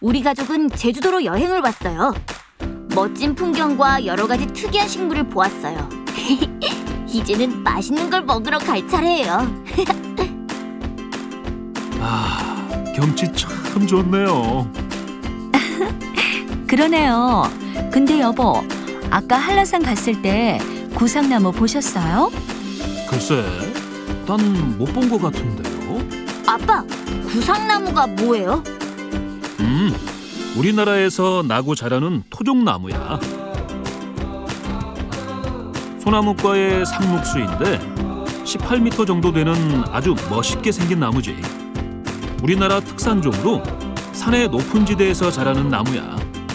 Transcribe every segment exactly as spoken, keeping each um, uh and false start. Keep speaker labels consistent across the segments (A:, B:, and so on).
A: 우리 가족은 제주도로 여행을 왔어요. 멋진 풍경과 여러 가지 특이한 식물을 보았어요. 이제는 맛있는 걸 먹으러 갈 차례예요.
B: 아, 경치 참 좋네요.
C: 그러네요. 근데 여보, 아까 한라산 갔을 때 구상나무 보셨어요?
B: 글쎄, 난 못 본 것 같은데요.
A: 아빠, 구상나무가 뭐예요?
B: 음, 우리나라에서 나고 자라는 토종나무야. 소나무과의 상록수인데 십팔 미터 정도 되는 아주 멋있게 생긴 나무지. 우리나라 특산종으로 산의 높은 지대에서 자라는 나무야.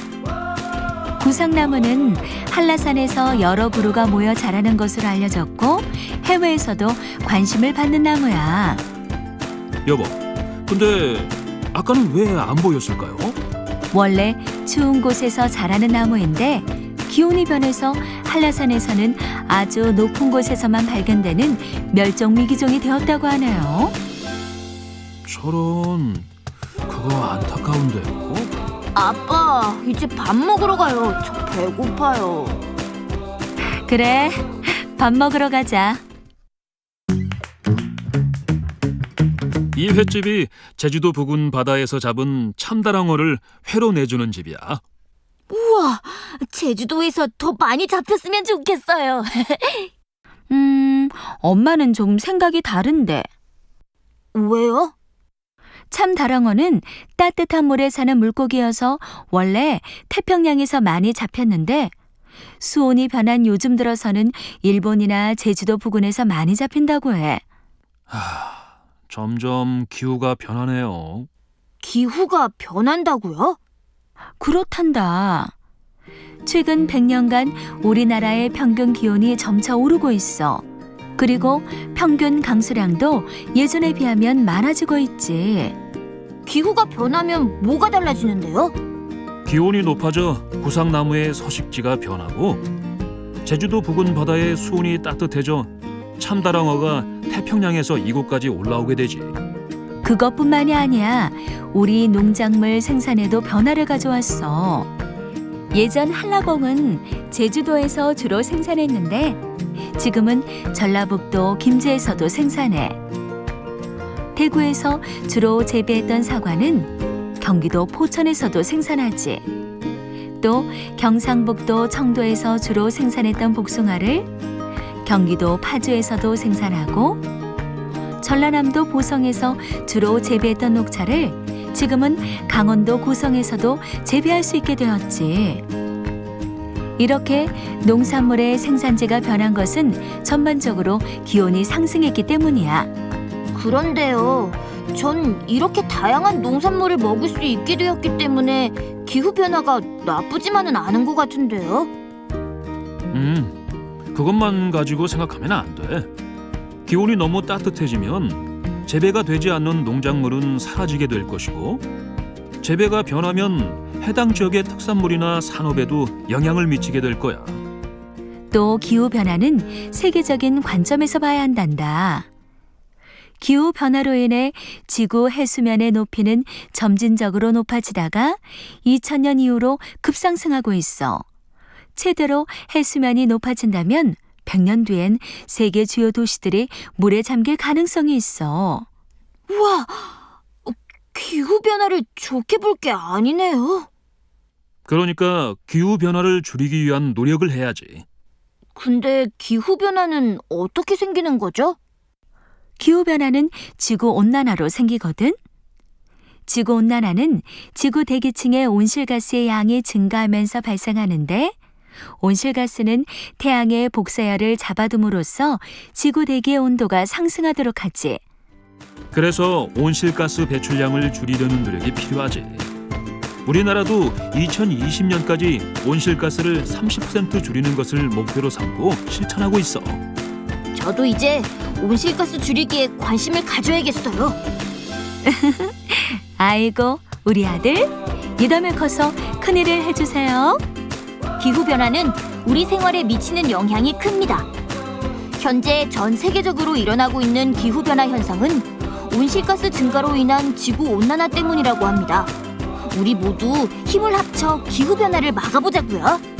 C: 구상나무는 한라산에서 여러 부류가 모여 자라는 것으로 알려졌고 해외에서도 관심을 받는 나무야.
B: 여보, 근데 아까는 왜 안 보였을까요?
C: 원래 추운 곳에서 자라는 나무인데 기온이 변해서 한라산에서는 아주 높은 곳에서만 발견되는 멸종위기종이 되었다고 하네요.
B: 저런, 그거 안타까운데요.
A: 아빠, 이제 밥 먹으러 가요. 저 배고파요.
C: 그래, 밥 먹으러 가자.
B: 이 횟집이 제주도 부근 바다에서 잡은 참다랑어를 회로 내주는 집이야.
A: 우와, 제주도에서 더 많이 잡혔으면 좋겠어요.
C: 음, 엄마는 좀 생각이 다른데.
A: 왜요?
C: 참다랑어는 따뜻한 물에 사는 물고기여서 원래 태평양에서 많이 잡혔는데 수온이 변한 요즘 들어서는 일본이나 제주도 부근에서 많이 잡힌다고 해.
B: 하, 점점 기후가 변하네요.
A: 기후가 변한다고요?
C: 그렇단다. 최근 백 년간 우리나라의 평균 기온이 점차 오르고 있어. 그리고 평균 강수량도 예전에 비하면 많아지고 있지.
A: 기후가 변하면 뭐가 달라지는데요?
B: 기온이 높아져 구상나무의 서식지가 변하고 제주도 부근 바다의 수온이 따뜻해져 참다랑어가 태평양에서 이곳까지 올라오게 되지.
C: 그것뿐만이 아니야. 우리 농작물 생산에도 변화를 가져왔어. 예전 한라봉은 제주도에서 주로 생산했는데 지금은 전라북도 김제에서도 생산해. 대구에서 주로 재배했던 사과는 경기도 포천에서도 생산하지. 또 경상북도 청도에서 주로 생산했던 복숭아를 경기도 파주에서도 생산하고 전라남도 보성에서 주로 재배했던 녹차를 지금은 강원도 고성에서도 재배할 수 있게 되었지. 이렇게 농산물의 생산지가 변한 것은 전반적으로 기온이 상승했기 때문이야.
A: 그런데요, 전 이렇게 다양한 농산물을 먹을 수 있게 되었기 때문에 기후 변화가 나쁘지만은 않은 것 같은데요.
B: 음, 그것만 가지고 생각하면 안 돼. 기온이 너무 따뜻해지면 재배가 되지 않는 농작물은 사라지게 될 것이고 재배가 변하면 해당 지역의 특산물이나 산업에도 영향을 미치게 될 거야.
C: 또 기후 변화는 세계적인 관점에서 봐야 한단다. 기후 변화로 인해 지구 해수면의 높이는 점진적으로 높아지다가 이천 년 이후로 급상승하고 있어. 최대로 해수면이 높아진다면 백 년 뒤엔 세계 주요 도시들이 물에 잠길 가능성이 있어.
A: 우와, 어, 기후 변화를 좋게 볼 게 아니네요.
B: 그러니까 기후 변화를 줄이기 위한 노력을 해야지.
A: 근데 기후 변화는 어떻게 생기는 거죠?
C: 기후변화는 지구온난화로 생기거든. 지구온난화는 지구 대기층의 온실가스의 양이 증가하면서 발생하는데 온실가스는 태양의 복사열을 잡아둠으로써 지구 대기의 온도가 상승하도록 하지.
B: 그래서 온실가스 배출량을 줄이려는 노력이 필요하지. 우리나라도 이천이십 년까지 온실가스를 삼십 퍼센트 줄이는 것을 목표로 삼고 실천하고 있어.
A: 저도 이제 온실가스 줄이기에 관심을 가져야겠어요.
C: 아이고, 우리 아들, 이담에 커서 큰일을 해주세요.
A: 기후변화는 우리 생활에 미치는 영향이 큽니다. 현재 전 세계적으로 일어나고 있는 기후변화 현상은 온실가스 증가로 인한 지구온난화 때문이라고 합니다. 우리 모두 힘을 합쳐 기후변화를 막아보자고요.